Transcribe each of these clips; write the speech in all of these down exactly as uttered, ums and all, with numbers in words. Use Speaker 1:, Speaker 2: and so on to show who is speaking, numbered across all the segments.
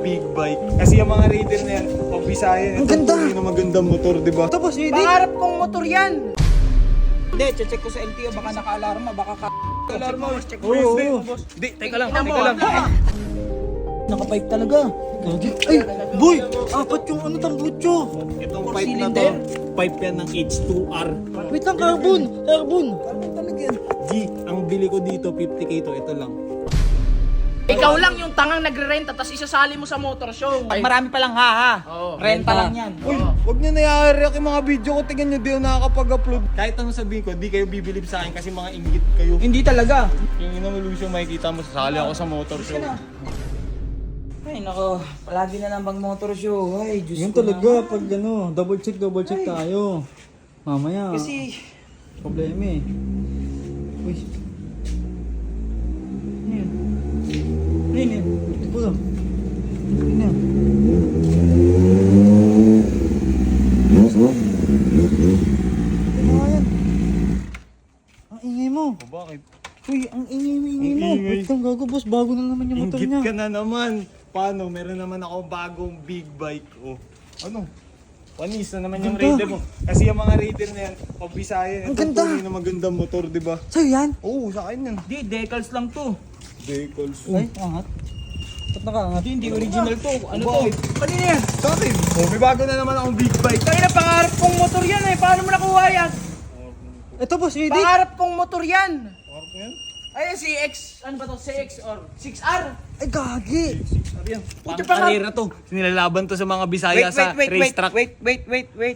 Speaker 1: big bike. Kasi yung mga Raider na yan, pag Bisaya,
Speaker 2: Ang ganda.
Speaker 1: Ito yung magandang motor, di ba?
Speaker 2: Tapos hindi.
Speaker 3: Pangarap kong motor yan.
Speaker 2: Hindi, check ko sa L T O, baka naka-alarma, baka ka...
Speaker 3: Alarma, check
Speaker 2: Oo, oo.
Speaker 1: Di, teka lang,
Speaker 3: Tingnan mo,
Speaker 1: teka lang.
Speaker 2: Naka-pipe talaga. Gagi. Ay, boy! Apat yung ano tambutso.
Speaker 1: Itong
Speaker 3: Four
Speaker 1: pipe na to,
Speaker 3: cylinder?
Speaker 1: pipe yan ng H two R.
Speaker 2: Wait lang, carbon! Carbon! Carbon talaga yan.
Speaker 1: G, ang bili ko dito, fifty K to, ito lang.
Speaker 3: Ikaw lang yung tangang nagre-renta tapos isasali mo sa motor show.
Speaker 2: Pag marami pa lang ha ha.
Speaker 3: Oo.
Speaker 2: Renta lang yan.
Speaker 1: Uy, wag nyo nayari yung mga video ko, tingnan nyo, di ako nakakapag-upload. Kahit anong sabihin ko, di kayo bibilib sa akin kasi mga inggit kayo.
Speaker 2: Hindi talaga.
Speaker 1: Yung ina mo, Lucio, makikita mo, sasali ako sa motor show.
Speaker 2: Ay, nako. Palagi na lang bang motor show. Ay, Diyos
Speaker 4: Yan
Speaker 2: ko
Speaker 4: talaga,
Speaker 2: naman.
Speaker 4: pag ano, double check, double check tayo. Mamaya,
Speaker 2: Kasi,
Speaker 4: problema eh. Uy,
Speaker 2: ano yun? Ano yun yun?
Speaker 4: ito po lang. Ano yan? Ano nga yan? Ang ingay mo.
Speaker 1: O bakit?
Speaker 4: Uy, ang ingay mo, ingay
Speaker 1: Ang
Speaker 4: mo.
Speaker 1: ingay.
Speaker 4: Wait lang, gago boss, bago na naman yung motor
Speaker 1: Inggit
Speaker 4: niya.
Speaker 1: ka na naman. Paano? Meron naman ako bagong big bike. Oh. Ano? Panis na naman yung
Speaker 4: Ganda.
Speaker 1: Raider mo. Kasi yung mga Raider na yan, pag Bisaya,
Speaker 4: Ang
Speaker 1: ito
Speaker 4: ganda.
Speaker 1: tunay na magandang motor, di ba?
Speaker 4: Sa'yo yan?
Speaker 1: Oo, sa akin yan.
Speaker 2: Hindi, decals lang to.
Speaker 1: Decals.
Speaker 4: Ay, angat. Ba't nakaangat?
Speaker 2: Hindi, hindi original to. Ano to?
Speaker 1: Bakit?
Speaker 2: Kanina yan.
Speaker 1: Sa akin. Oh, may bago na naman akong big bike.
Speaker 3: Tangina, pangarap kong motor yan eh. Paano mo nakuha yan?
Speaker 4: Ito boss, ready?
Speaker 3: Pangarap kong motor yan.
Speaker 1: Parang ko yan?
Speaker 3: Ay, si X, ano ba to? C X or six R?
Speaker 4: Ay, gagi.
Speaker 1: Sabi yan.
Speaker 3: Puti
Speaker 1: Pang
Speaker 3: pa nga.
Speaker 1: karera to. Nilalaban to sa mga Bisaya sa racetrack.
Speaker 2: wait, wait, wait, wait.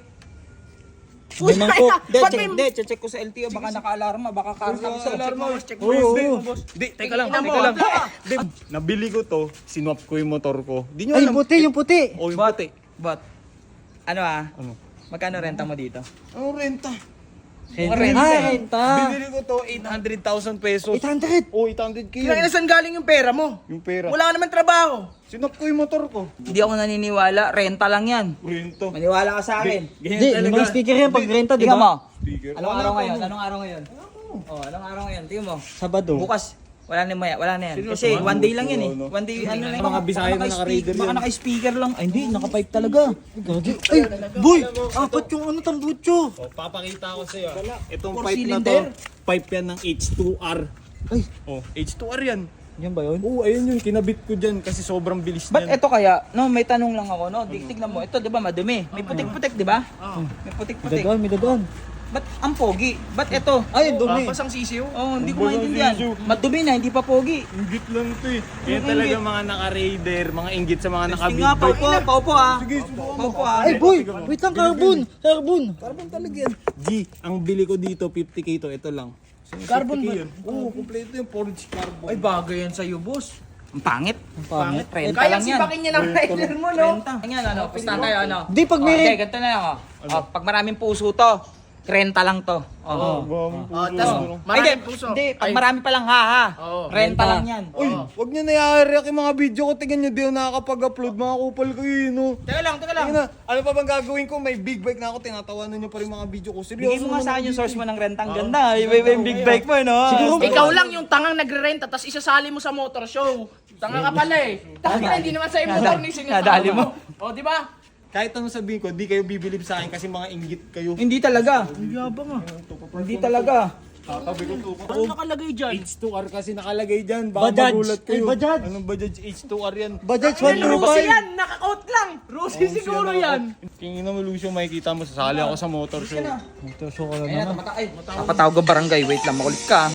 Speaker 3: Uy,
Speaker 2: May mangkok. Hindi,
Speaker 3: ba't
Speaker 2: check,
Speaker 3: may-
Speaker 2: hindi, check ko sa L T O, baka naka-alarma, baka
Speaker 1: Sa
Speaker 2: carbon.
Speaker 1: alarma.
Speaker 3: Check
Speaker 4: Oo,
Speaker 3: mo.
Speaker 4: oo.
Speaker 1: Di, teka lang,
Speaker 3: Tingnan mo,
Speaker 1: teka lang.
Speaker 3: ah.
Speaker 1: Di, nabili ko to, sinwap ko yung motor ko. Di nyo
Speaker 4: Ay,
Speaker 1: alam.
Speaker 4: puti, yung puti.
Speaker 1: Oh, yung
Speaker 2: But,
Speaker 1: puti.
Speaker 2: but, ano ah,
Speaker 1: Ano?
Speaker 2: magkano renta mo dito?
Speaker 1: Ano renta?
Speaker 2: Mga
Speaker 4: Ay,
Speaker 2: renta.
Speaker 4: renta.
Speaker 1: Binili ko to, eight hundred thousand pesos.
Speaker 4: eight hundred.
Speaker 1: Oh, eight hundred k
Speaker 3: Kailangan
Speaker 1: yun.
Speaker 3: saan galing yung pera mo?
Speaker 1: Yung pera.
Speaker 3: Wala ka naman trabaho.
Speaker 1: Sinwap ko yung motor ko.
Speaker 2: Hindi ako naniniwala, renta lang yan.
Speaker 1: Renta.
Speaker 2: Maniwala ka sa akin.
Speaker 4: Hindi, may mga speaker yan pag renta, di
Speaker 2: Tingnan mo.
Speaker 4: ba?
Speaker 1: Speaker.
Speaker 2: Anong
Speaker 1: Wala
Speaker 2: araw
Speaker 1: pa
Speaker 2: ngayon?
Speaker 1: mo.
Speaker 2: Anong araw ngayon? Oh, anong araw ngayon? Tingnan mo.
Speaker 4: Sabado.
Speaker 2: Bukas, wala na maya, wala na yan.
Speaker 1: Sino
Speaker 2: Kasi
Speaker 1: sa
Speaker 2: one day lang yan eh.
Speaker 1: ano?
Speaker 2: One day, ano lang.
Speaker 1: Mga Bisaya na naka-raider
Speaker 2: Baka
Speaker 1: yan.
Speaker 2: naka-speaker lang. Ay, hindi, naka-pipe talaga.
Speaker 4: Gagi. Ay, boy! Apat yung ano tambutso.
Speaker 1: Oh, papakita ko sa'yo. Itong
Speaker 2: Four
Speaker 1: pipe na to,
Speaker 2: cylinder?
Speaker 1: pipe yan ng H two R.
Speaker 4: Ay,
Speaker 1: Oh, H two R yan.
Speaker 4: yan ba yun?
Speaker 1: Oo, ayun yun, kinabit ko dyan kasi sobrang bilis
Speaker 2: Ba't
Speaker 1: niyan.
Speaker 2: eto kaya? No, may tanong lang ako, no? Di, tignan mo, ito 'di ba madumi? May putik-putik, 'di ba? May
Speaker 4: May
Speaker 2: putik-putik.
Speaker 4: dadaan, may dadaan.
Speaker 2: Ba't ang pogi? Ba't ito?
Speaker 4: Ay, dumi.
Speaker 3: Pasang sisiw.
Speaker 2: Oh, hindi
Speaker 1: Ang
Speaker 2: ko maintindihan.
Speaker 1: basang
Speaker 2: Madumi na, hindi pa pogi.
Speaker 1: Inggit lang to eh. Yan
Speaker 2: Yung
Speaker 1: talaga
Speaker 2: inggit.
Speaker 1: mga naka-raider, mga inggit sa mga
Speaker 2: Testing
Speaker 1: naka-big
Speaker 2: nga,
Speaker 1: bike.
Speaker 2: paupo, paupo ah.
Speaker 1: Sige, subukan mo.
Speaker 2: Paupo ah.
Speaker 4: Ay, boy! Wait lang, carbon! Carbon!
Speaker 1: Carbon talaga yan. G, ang bili ko dito, fifty K to, ito lang.
Speaker 3: Carbon
Speaker 1: fifty K
Speaker 3: ba?
Speaker 1: yun. Oo, kompleto yung forged carbon.
Speaker 3: Ay, bagay yan sa'yo, boss.
Speaker 2: Ang pangit.
Speaker 4: Ang pangit.
Speaker 2: Renta
Speaker 3: Kaya
Speaker 2: lang yan.
Speaker 3: sipakin niya ng rider mo, no?
Speaker 2: Renta. Ayan, ano, pustahan tayo, ano.
Speaker 4: Di, pag may
Speaker 2: Oh,
Speaker 4: rent-
Speaker 2: hindi, ganito na lang, oh. Oh, pag maraming puso to, renta lang to. Oh.
Speaker 1: Bang,
Speaker 3: Oh,
Speaker 1: puso.
Speaker 3: tas
Speaker 2: Ay, hindi,
Speaker 3: maraming puso.
Speaker 2: hindi, pag
Speaker 3: Ay,
Speaker 2: marami pa lang ha ha.
Speaker 3: Oo.
Speaker 2: Renta lang yan.
Speaker 1: Uy, wag nyo nayari yung mga video ko, tingnan nyo, di ako nakakapag-upload, mga kupal ko yun, no?
Speaker 2: Teka lang, teka lang.
Speaker 1: Tingnan na, ano pa bang gagawin ko? May big bike na ako, tinatawanan nyo pa rin mga video ko. Seryoso
Speaker 2: Bigay mo nga
Speaker 1: naman
Speaker 2: sa akin
Speaker 1: ako
Speaker 2: yung source
Speaker 1: dito
Speaker 2: mo ng rentang ganda. Iba iba yung big bike mo, no?
Speaker 4: Siguro,
Speaker 3: Ikaw lang yung tangang nagre-renta tapos isasali mo sa motor show. Tanga ka pala eh. Tanga hindi naman sa'yo motor ni sinasama
Speaker 2: Nadali mo.
Speaker 3: O, di ba?
Speaker 1: eh. Kahit anong sabihin ko, di kayo bibilib sa akin kasi mga inggit kayo.
Speaker 2: Hindi talaga.
Speaker 3: Yabang ah.
Speaker 2: Hindi talaga.
Speaker 1: Tatabi ko to.
Speaker 3: Ano nakalagay dyan?
Speaker 1: H two R kasi nakalagay dyan. Baka
Speaker 4: Bajaj.
Speaker 1: magulat kayo.
Speaker 4: Ay, Bajaj.
Speaker 1: Anong Bajaj H two R yan?
Speaker 4: Bajaj
Speaker 3: Ano
Speaker 4: one two
Speaker 3: Rusi
Speaker 4: five.
Speaker 3: yan? Naka-out lang. Rusi siguro yan.
Speaker 1: Tingin naman Lucio, makikita mo, sasali ako sa motor show.
Speaker 4: Ito, show ko lang
Speaker 2: Ayun na,
Speaker 4: naman.
Speaker 2: tumata- ay, napatawag ko barangay. Wait lang, makulit ka.